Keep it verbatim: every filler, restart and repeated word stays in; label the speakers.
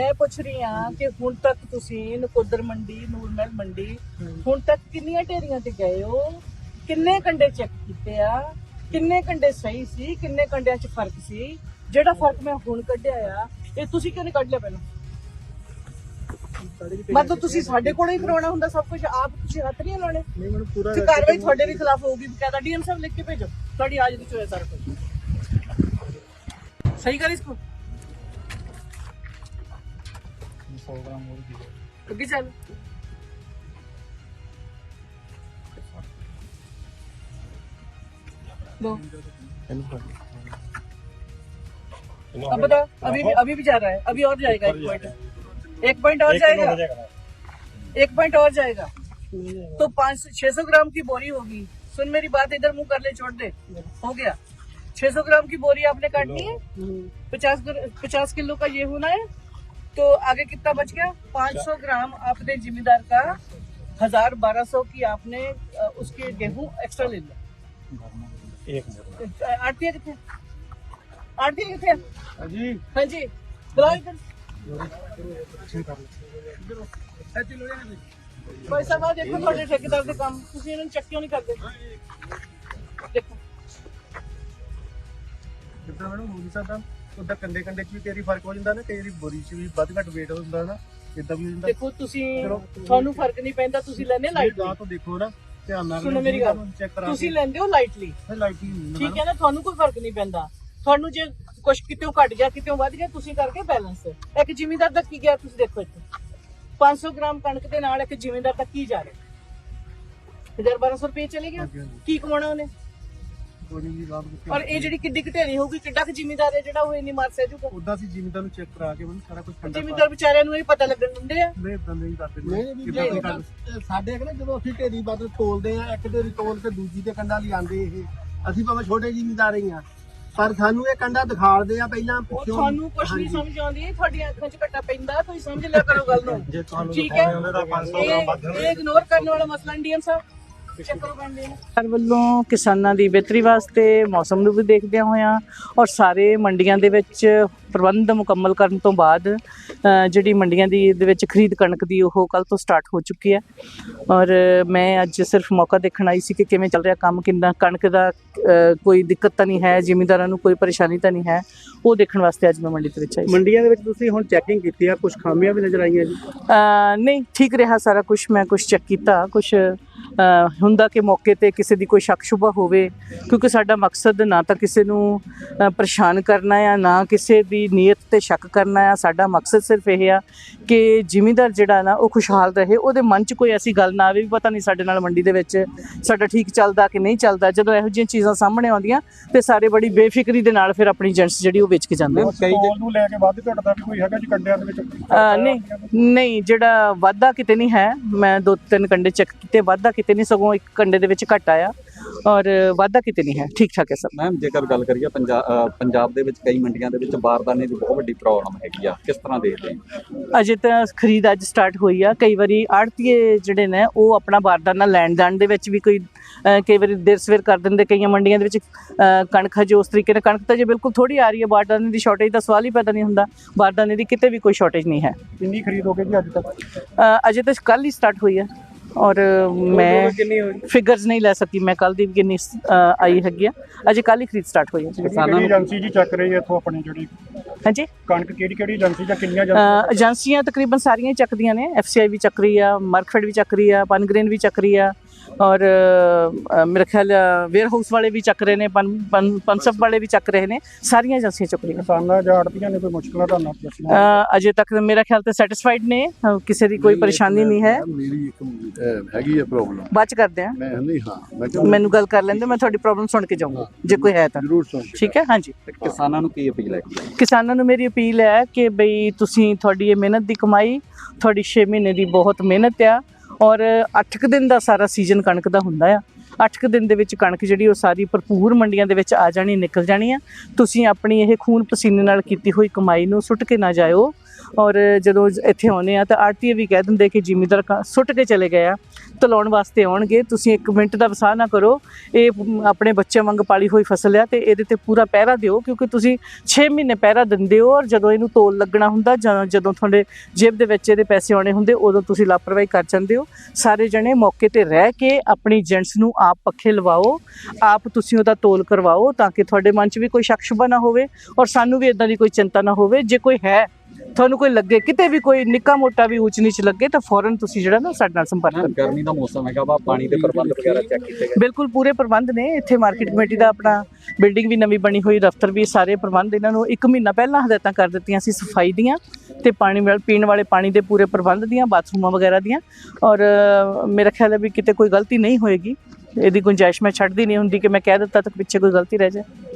Speaker 1: मैं पूछ रही हाँ कि हुण तक तुसी नकोदर मंडी नूर महल मंडी हुण तक किन्नियां ढेरियां ते गए हो, किन्ने कंडे चेक कीते आ, किन्ने कंडे सही सी, किन्ने कंडियां च फर्क सी, जेड़ा फर्क मैं हुण कढिया आ ये तुसी क्यों नहीं कढ लिया पहले? मतलब तुसी साडे कोलों ही करवाना हुंदा सब कुछ, आप तुसी हत्थ नहीं लाने। नहीं मैडम पूरा ते कार्रवाई ਤੁਹਾਡੇ ਦੇ ਖਿਲਾਫ ਹੋਊਗੀ, ਬਕਾਇਦਾ ਡੀਐਮ ਸਾਹਿਬ ਲਿਖ ਕੇ ਭੇਜੋ ਤੁਹਾਡੀ आज ਦੀ ਚੋਏ सारा कुछ सही कर इसको सौ ग्राम और भी चल दो अब बता अभी भी अभी भी जा रहा है, अभी और जाएगा एक पॉइंट एक पॉइंट और जाएगा एक पॉइंट और जाएगा तो पाँच छह सौ ग्राम की बोरी होगी। सुन मेरी बात, इधर मुंह कर ले, छोड़ दे, हो गया। छह सौ ग्राम की बोरी आपने काटनी है, पचास पचास किलो का ये होना है, तो आगे कितना बच गया? पाँच सौ ग्राम आपने जिम्मेदार का हजार बारह सौ की आपने उसके गेहूं एक्स्ट्रा ले लिया। आरती कितने आरती कितने जी? हाँ जी बुलाओ इधर। भाई साहब देखो थोड़े ठेकेदार के काम तुसी इन्होंने चेक क्यों नहीं करते? देखो
Speaker 2: ਜਿੱਦਾਂ ਮੈਨੂੰ ਹੋ ਨਹੀਂ ਸਕਦਾ ਉਹਦਾ ਕੰਡੇ ਕੰਡੇ ਚ ਵੀ ਤੇਰੀ ਫਰਕ ਹੋ ਜਾਂਦਾ ਨਾ, ਕਈ ਵਾਰੀ ਬੋਰੀ ਚ ਵੀ ਵੱਧ ਘੱਟ weight ਹੁੰਦਾ ਨਾ, ਇਦਾਂ ਵੀ ਹੋ ਜਾਂਦਾ।
Speaker 1: ਦੇਖੋ ਤੁਸੀਂ ਤੁਹਾਨੂੰ ਫਰਕ ਨਹੀਂ ਪੈਂਦਾ, ਤੁਸੀਂ ਲੈਣੇ ਲਾਈਟ
Speaker 2: ਗਾਂ ਤੋਂ ਦੇਖੋ ਨਾ ਧਿਆਨ ਨਾਲ,
Speaker 1: ਸੁਣੋ ਮੇਰੀ ਗੱਲ, ਤੁਸੀਂ ਲੈਂਦੇ ਹੋ ਲਾਈਟਲੀ,
Speaker 2: ਲਾਈਟਲੀ
Speaker 1: ਠੀਕ ਹੈ ਨਾ, ਤੁਹਾਨੂੰ ਕੋਈ ਫਰਕ ਨਹੀਂ ਪੈਂਦਾ। ਤੁਹਾਨੂੰ ਜੇ ਕੁਝ ਕਿਤੇੋਂ ਘਟ ਗਿਆ ਕਿਤੇੋਂ ਵੱਧ ਗਿਆ ਤੁਸੀਂ ਕਰਕੇ ਬੈਲੈਂਸ। ਇੱਕ ਜ਼ਿਮੀਂਦਾਰ ਦਾ ਕੀ ਗਿਆ ਤੁਸੀਂ ਦੇਖੋ ਇੱਥੇ पाँच सौ ग्राम कणक ਦੇ ਨਾਲ ਇੱਕ ਜ਼ਿਮੀਂਦਾਰ ਤੱਕ ਕੀ ਜਾ ਰਿਹਾ? हजार बारह सौ रुपये चले गया, ਕੀ ਕਮਾਉਣਾ ਉਹਨੇ? ਔਰ ਇਹ ਜਿਹੜੀ ਕਿੱਡੀ ਘਟੇਰੀ ਹੋਊਗੀ, ਕਿੱਡਾ ਕੁ ਜ਼ਿਮੀਂਦਾਰ ਹੈ ਜਿਹੜਾ ਉਹ ਇੰਨੀ ਮਾਰ ਸਹਿ ਜੂਗਾ?
Speaker 2: ਉਦਾਂ ਸੀ ਜ਼ਿਮੀਂਦਾਰ ਨੂੰ ਚੈੱਕ ਕਰਾ ਕੇ ਮੈਨੂੰ ਸਾਰਾ ਕੁਝ ਕੰਡਾ
Speaker 1: ਜ਼ਿਮੀਂਦਾਰ ਵਿਚਾਰਿਆਂ ਨੂੰ ਇਹ ਪਤਾ ਲੱਗਣ ਦਿੰਦੇ ਆ?
Speaker 2: ਨਹੀਂ ਇਦਾਂ ਨਹੀਂ ਕਰਦੇ।
Speaker 3: ਨਹੀਂ ਸਾਡੇ ਨਾ ਜਦੋਂ ਅਸੀਂ ਢੇਰੀ ਬਦਲ ਤੋਲਦੇ ਆ, ਇੱਕ ਢੇਰੀ ਤੋਲ ਕੇ ਦੂਜੀ ਤੇ ਕੰਡਾ ਲਿਆਂਦੇ, ਇਹ ਅਸੀਂ ਭਾਵੇਂ ਛੋਟੇ ਜ਼ਿਮੀਂਦਾਰ ਹੀ ਆ, ਪਰ ਸਾਨੂੰ ਇਹ ਕੰਡਾ ਦਿਖਾਲਦੇ ਆ ਪਹਿਲਾਂ ਪਿੱਛੋਂ।
Speaker 1: ਤੁਹਾਨੂੰ ਕੁਝ ਨਹੀਂ ਸਮਝ ਆਉਂਦੀ, ਤੁਹਾਡੀਆਂ ਅੱਖਾਂ 'ਚ ਘੱਟਾ ਪੈਂਦਾ, ਤੁਸੀਂ ਸਮਝ ਲਿਆ ਕਰੋ ਗੱਲ ਨੂੰ, ਠੀਕ ਹੈ? ਇਹ ਇਗਨੋਰ ਕਰਨ ਵਾਲਾ ਮਸਲਾ ਨਹੀਂ ਡੀਐਮ ਸਾਹਿਬ।
Speaker 4: ਸਰਕਾਰ ਵੱਲੋਂ ਕਿਸਾਨਾਂ ਦੀ ਬਿਹਤਰੀ ਵਾਸਤੇ ਮੌਸਮ ਨੂੰ ਵੀ ਦੇਖਦਿਆਂ ਹੋਇਆਂ ਔਰ ਸਾਰੇ ਮੰਡੀਆਂ ਦੇ ਵਿੱਚ ਪ੍ਰਬੰਧ ਮੁਕੰਮਲ ਕਰਨ ਤੋਂ ਬਾਅਦ ਜਿਹੜੀ ਮੰਡੀਆਂ ਦੀ ਦੇ ਵਿੱਚ ਖਰੀਦ ਕਣਕ ਦੀ ਉਹ ਕੱਲ੍ਹ ਤੋਂ ਸਟਾਰਟ ਹੋ ਚੁੱਕੀ ਹੈ। ਔਰ ਮੈਂ ਅੱਜ ਸਿਰਫ ਮੌਕਾ ਦੇਖਣ ਆਈ ਸੀ ਕਿ ਕਿਵੇਂ ਚੱਲ ਰਿਹਾ ਕੰਮ, ਕਿੰਨਾ ਕਣਕ ਦਾ ਕੋਈ ਦਿੱਕਤ ਤਾਂ ਨਹੀਂ ਹੈ, ਜ਼ਿਮੀਂਦਾਰਾਂ ਨੂੰ ਕੋਈ ਪਰੇਸ਼ਾਨੀ ਤਾਂ ਨਹੀਂ ਹੈ, ਉਹ ਦੇਖਣ ਵਾਸਤੇ ਅੱਜ ਮੈਂ ਮੰਡੀ ਦੇ ਵਿੱਚ ਆਈ।
Speaker 2: ਮੰਡੀਆਂ ਦੇ ਵਿੱਚ ਤੁਸੀਂ ਹੁਣ ਚੈਕਿੰਗ ਕੀਤੀ ਆ, ਕੁਝ ਖਾਮੀਆਂ ਵੀ ਨਜ਼ਰ ਆਈਆਂ ਜੀ?
Speaker 4: ਨਹੀਂ, ਠੀਕ ਰਿਹਾ ਸਾਰਾ ਕੁਝ। ਮੈਂ ਕੁਝ ਚੈੱਕ ਕੀਤਾ, ਕੁਝ ਹੁੰਦਾ ਕਿ ਮੌਕੇ 'ਤੇ ਕਿਸੇ ਦੀ ਕੋਈ ਸ਼ੱਕ ਸ਼ੁਬਾ ਹੋਵੇ, ਕਿਉਂਕਿ ਸਾਡਾ ਮਕਸਦ ਨਾ ਤਾਂ ਕਿਸੇ ਨੂੰ ਪਰੇਸ਼ਾਨ ਕਰਨਾ ਆ, ਨਾ ਕਿਸੇ ਦੀ ਨੀਅਤ 'ਤੇ ਸ਼ੱਕ ਕਰਨਾ ਆ। ਸਾਡਾ ਮਕਸਦ ਸਿਰਫ ਇਹ ਆ ਕਿ ਜ਼ਿਮੀਂਦਾਰ ਜਿਹੜਾ ਨਾ ਉਹ ਖੁਸ਼ਹਾਲ ਰਹੇ, ਉਹਦੇ ਮਨ 'ਚ ਕੋਈ ਐਸੀ ਗੱਲ ਨਾ ਆਵੇ ਵੀ ਪਤਾ ਨਹੀਂ ਸਾਡੇ ਨਾਲ ਮੰਡੀ ਦੇ ਵਿੱਚ ਸਾਡਾ ਠੀਕ ਚੱਲਦਾ ਕਿ ਨਹੀਂ ਚੱਲਦਾ। ਜਦੋਂ ਇਹੋ ਜਿਹੀਆਂ ਚੀਜ਼ਾਂ ਸਾਹਮਣੇ ਆਉਂਦੀਆਂ ਤੇ ਸਾਰੇ ਬੜੀ ਬੇਫਿਕਰੀ ਦੇ ਨਾਲ ਫਿਰ ਆਪਣੀ ਏਜੰਟਸ ਜਿਹੜੀ ਉਹ ਵੇਚ ਕੇ ਜਾਂਦੇ।
Speaker 2: ਸਟੋਲ ਨੂੰ ਲੈ ਕੇ ਵੱਧ ਘੱਟ ਦਾ ਵੀ ਕੋਈ ਹੈਗਾ ਜੀ ਕੰਡਿਆਂ ਦੇ ਵਿੱਚ?
Speaker 4: ਨਹੀਂ ਨਹੀਂ, ਜਿਹੜਾ ਵਾਧਾ ਕਿਤੇ ਨਹੀਂ ਹੈ। ਮੈਂ ਦੋ ਤਿੰਨ ਕੰਡੇ ਚੈੱਕ ਕੀਤੇ, ਵਾਧਾ ਕਿਤੇ ਨਹੀਂ, ਸਗੋਂ ਇੱਕ ਕੰਡੇ ਦੇ ਵਿੱਚ ਘੱਟ ਆਇਆ ਔਰ ਵਾਧਾ ਕਿਤੇ ਨਹੀਂ ਹੈ, ਠੀਕ ਠਾਕ ਹੈ ਸਭ।
Speaker 5: ਮੈਮ ਜੇਕਰ ਗੱਲ ਕਰੀਏ ਪੰਜਾਬ ਪੰਜਾਬ ਦੇ ਵਿੱਚ ਕਈ ਮੰਡੀਆਂ ਦੇ ਵਿੱਚ ਬਾਰਦਾਨੇ ਦੀ ਬਹੁਤ ਵੱਡੀ ਪ੍ਰੋਬਲਮ ਹੈਗੀ ਆ, ਕਿਸ ਤਰ੍ਹਾਂ ਦੇਖਦੇ ਹੋ?
Speaker 4: ਅਜੇ ਤਾਂ ਖਰੀਦ ਅੱਜ ਸਟਾਰਟ ਹੋਈ ਆ। ਕਈ ਵਾਰੀ ਆੜ੍ਹਤੀਏ ਜਿਹੜੇ ਨੇ ਉਹ ਆਪਣਾ ਬਾਰਦਾਨਾ ਲੈਣ ਜਾਣ ਦੇ ਵਿੱਚ ਵੀ ਕੋਈ ਕਈ ਵਾਰੀ ਦੇਰ ਸਵੇਰ ਕਰ ਦਿੰਦੇ। ਕਈਆਂ ਮੰਡੀਆਂ ਦੇ ਵਿੱਚ ਕਣਕ ਹਜੇ ਉਸ ਤਰੀਕੇ ਨਾਲ, ਕਣਕ ਤਾਂ ਜੇ ਬਿਲਕੁਲ ਥੋੜ੍ਹੀ ਆ ਰਹੀ ਹੈ, ਬਾਰਦਾਨੇ ਦੀ ਸ਼ਾਰਟੇਜ ਦਾ ਸਵਾਲ ਹੀ ਪੈਦਾ ਨਹੀਂ ਹੁੰਦਾ। ਬਾਰਦਾਨੇ ਦੀ ਕਿਤੇ ਵੀ ਕੋਈ ਸ਼ਾਰਟੇਜ ਨਹੀਂ ਹੈ।
Speaker 2: ਕਿੰਨੀ ਖਰੀਦ ਹੋ ਗਈ ਜੀ ਅੱਜ ਤੱਕ?
Speaker 4: ਅਜੇ ਤਾਂ ਕੱਲ੍ਹ ਹੀ ਸਟਾਰਟ ਹੋਈ ਹੈ ਔਰ ਮੈਂ ਫਿਗਰਸ ਨਹੀਂ ਲੈ ਸਕੀ ਮੈਂ ਕੱਲ੍ਹ ਦੀ ਕਿੰਨੀ ਆਈ ਹੈਗੀ ਆ, ਅਜੇ ਕੱਲ੍ਹ ਹੀ ਖਰੀਦ ਸਟਾਰਟ ਹੋਈ ਹੈ।
Speaker 2: ਕਿਹੜੀ ਏਜੰਸੀ ਜੀ ਚੱਕ ਰਹੀ ਹੈ ਇੱਥੋਂ ਆਪਣੀ ਜਿਹੜੀ
Speaker 4: ਹਾਂਜੀ
Speaker 2: ਕਣਕ? ਕਿਹੜੀ ਕਿਹੜੀ ਏਜੰਸੀ ਜਾਂ ਕਿੰਨੀਆਂ
Speaker 4: ਏਜੰਸੀਆਂ? ਤਕਰੀਬਨ ਸਾਰੀਆਂ ਹੀ ਚੱਕਦੀਆਂ ਨੇ। ਐਫ ਸੀ ਆਈ ਵੀ ਚੱਕ ਰਹੀ ਆ, ਮਰਕਫੈਡ ਵੀ ਚੱਕ ਰਹੀ ਆ, ਪਨਗ੍ਰੇਨ ਵੀ ਚੱਕ ਰਹੀ ਆ, ਔਰ ਮੇਰੇ ਖਿਆਲ ਵੇਅਰ ਹਾਊਸ ਵਾਲੇ ਵੀ ਚੱਕ ਰਹੇ ਨੇ, ਪਨ ਪਨਸਪ ਵਾਲੇ ਵੀ ਚੱਕ ਰਹੇ ਨੇ, ਸਾਰੀਆਂ ਏਜੰਸੀਆਂ ਚੱਕ ਰਹੀਆਂ।
Speaker 2: ਕਿਸਾਨਾਂ ਜਾਂ ਆੜ੍ਹਤੀਆਂ ਨੇ ਕੋਈ ਮੁਸ਼ਕਲਾਂ ਤੁਹਾਨੂੰ
Speaker 4: ਅਜੇ ਤੱਕ ਮੇਰਾ ਖਿਆਲ ਤੇ ਸੈਟਿਸਫਾਈਡ ਨੇ, ਕਿਸੇ ਦੀ ਕੋਈ ਪਰੇਸ਼ਾਨੀ ਨਹੀਂ ਹੈ।
Speaker 6: ਮੇਰੀ ਇੱਕ ਹੈਗੀ ਹੈ ਪ੍ਰੋਬਲਮ,
Speaker 4: ਬਾਅਦ ਚ ਕਰਦੇ ਆ।
Speaker 6: ਮੈਂ ਨਹੀਂ ਹਾਂ ਮੈਂ
Speaker 4: ਮੈਨੂੰ ਗੱਲ ਕਰ ਲੈਂਦੇ, ਮੈਂ ਤੁਹਾਡੀ ਪ੍ਰੋਬਲਮ ਸੁਣ ਕੇ ਜਾਊਂਗਾ ਜੇ ਕੋਈ ਹੈ ਤਾਂ।
Speaker 6: ਜ਼ਰੂਰ ਸੁਣ।
Speaker 4: ਠੀਕ ਹੈ, ਹਾਂਜੀ।
Speaker 5: ਕਿਸਾਨਾਂ ਨੂੰ ਕੀ ਅਪੀਲ ਹੈ?
Speaker 4: ਕਿਸਾਨਾਂ ਨੂੰ ਮੇਰੀ ਅਪੀਲ ਹੈ ਕਿ ਬਈ ਤੁਸੀਂ, ਤੁਹਾਡੀ ਇਹ ਮਿਹਨਤ ਦੀ ਕਮਾਈ, ਤੁਹਾਡੀ ਛੇ ਮਹੀਨੇ ਦੀ ਬਹੁਤ ਮਿਹਨਤ ਆ ਔਰ ਅੱਠ ਕੁ ਦਿਨ ਦਾ ਸਾਰਾ ਸੀਜ਼ਨ ਕਣਕ ਦਾ ਹੁੰਦਾ ਆ। ਅੱਠ ਕੁ ਦਿਨ ਦੇ ਵਿੱਚ ਕਣਕ ਜਿਹੜੀ ਉਹ ਸਾਰੀ ਭਰਪੂਰ ਮੰਡੀਆਂ ਦੇ ਵਿੱਚ ਆ ਜਾਣੀ, ਨਿਕਲ ਜਾਣੀ ਆ। ਤੁਸੀਂ ਆਪਣੀ ਇਹ ਖੂਨ ਪਸੀਨੇ ਨਾਲ ਕੀਤੀ ਹੋਈ ਕਮਾਈ ਨੂੰ ਸੁੱਟ ਕੇ ਨਾ ਜਾਇਓ। ਔਰ ਜਦੋਂ ਇੱਥੇ ਆਉਂਦੇ ਆ ਤਾਂ ਆੜਤੀਏ ਵੀ ਕਹਿ ਦਿੰਦੇ ਕਿ ਜ਼ਿਮੀਂਦਾਰ ਕ- ਸੁੱਟ ਕੇ ਚਲੇ ਗਏ ਆ, ਧਲਾਉਣ ਵਾਸਤੇ ਆਉਣਗੇ, ਤੁਸੀਂ ਇੱਕ ਮਿੰਟ ਦਾ ਵਸਾਹ ਨਾ ਕਰੋ, ਇਹ ਆਪਣੇ ਬੱਚਿਆਂ ਵਾਂਗ ਪਾਲੀ ਹੋਈ ਫਸਲ ਆ ਤੇ ਇਹਦੇ ਤੇ ਪੂਰਾ ਪਹਿਰਾ ਦਿਓ, ਕਿਉਂਕਿ ਤੁਸੀਂ ਛੇ ਮਹੀਨੇ ਪਹਿਰਾ ਦਿੰਦੇ ਹੋ ਔਰ ਜਦੋਂ ਇਹਨੂੰ ਤੋਲ ਲੱਗਣਾ ਹੁੰਦਾ ਜਾਂ ਜਦੋਂ ਤੁਹਾਡੇ ਜੇਬ ਦੇ ਵਿੱਚ ਇਹਦੇ ਪੈਸੇ ਆਉਣੇ ਹੁੰਦੇ ਉਦੋਂ ਤੁਸੀਂ ਲਾਪਰਵਾਹੀ ਕਰ ਜਾਂਦੇ ਹੋ। ਸਾਰੇ ਜਣੇ ਮੌਕੇ ਤੇ ਰਹਿ ਕੇ ਆਪਣੀ ਏਜੰਟਸ ਨੂੰ ਆਪ ਪੱਖੇ ਲਵਾਓ, ਆਪ ਤੁਸੀਂ ਉਹਦਾ ਤੋਲ ਕਰਵਾਓ ਤਾਂ ਕਿ ਤੁਹਾਡੇ ਮਨ 'ਚ ਵੀ ਕੋਈ ਸ਼ੱਕ ਸ਼ੁਬਾ ਨਾ ਹੋਵੇ ਔਰ ਸਾਨੂੰ ਵੀ ਇਦਾਂ ਦੀ ਕੋਈ ਚਿੰਤਾ ਨਾ ਹੋਵੇ। ਜੇ ਕੋਈ ਹੈ ਤੁਹਾਨੂੰ ਕੋਈ ਲੱਗੇ ਕਿਤੇ ਵੀ ਕੋਈ ਨਿੱਕਾ ਮੋਟਾ ਵੀ ਊਚ ਨੀਚ ਲੱਗੇ ਤਾਂ ਫੌਰਨ ਤੁਸੀਂ ਜਿਹੜਾ ਨਾ ਸਾਡੇ ਨਾਲ ਸੰਪਰਕ ਕਰੋ।
Speaker 5: ਗਰਮੀ ਦਾ ਮੌਸਮ ਹੈਗਾ ਵਾ, ਪਾਣੀ ਦੇ ਪ੍ਰਬੰਧ ਵਗੈਰਾ ਚੈੱਕ ਕੀਤੇ ਗਏ?
Speaker 4: ਬਿਲਕੁਲ ਪੂਰੇ ਪ੍ਰਬੰਧ ਨੇ ਇੱਥੇ। ਮਾਰਕੀਟ ਕਮੇਟੀ ਦਾ ਆਪਣਾ ਬਿਲਡਿੰਗ ਵੀ ਨਵੀਂ ਬਣੀ ਹੋਈ, ਦਫ਼ਤਰ ਵੀ, ਸਾਰੇ ਪ੍ਰਬੰਧ ਇਹਨਾਂ ਨੂੰ ਇੱਕ ਮਹੀਨਾ ਪਹਿਲਾਂ ਹਦਾਇਤਾਂ ਕਰ ਦਿੱਤੀਆਂ ਸੀ ਸਫਾਈ ਦੀਆਂ ਤੇ ਪਾਣੀ ਵਾਲ ਪੀਣ ਵਾਲੇ ਪਾਣੀ ਦੇ ਪੂਰੇ ਪ੍ਰਬੰਧ ਦੀਆਂ, ਬਾਥਰੂਮਾਂ ਵਗੈਰਾ ਦੀਆਂ। ਔਰ ਅ, ਮੇਰਾ ਖਿਆਲ ਹੈ ਵੀ ਕਿਤੇ ਕੋਈ ਗਲਤੀ ਨਹੀਂ ਹੋਏਗੀ। ਇਹਦੀ ਗੁੰਜਾਇਸ਼ ਮੈਂ ਛੱਡਦੀ ਨਹੀਂ ਹੁੰਦੀ ਕਿ ਮੈਂ ਕਹਿ ਦਿੱਤਾ ਤਾਂ ਪਿੱਛੇ ਕੋਈ ਗਲਤੀ ਰਹਿ ਜਾਏ।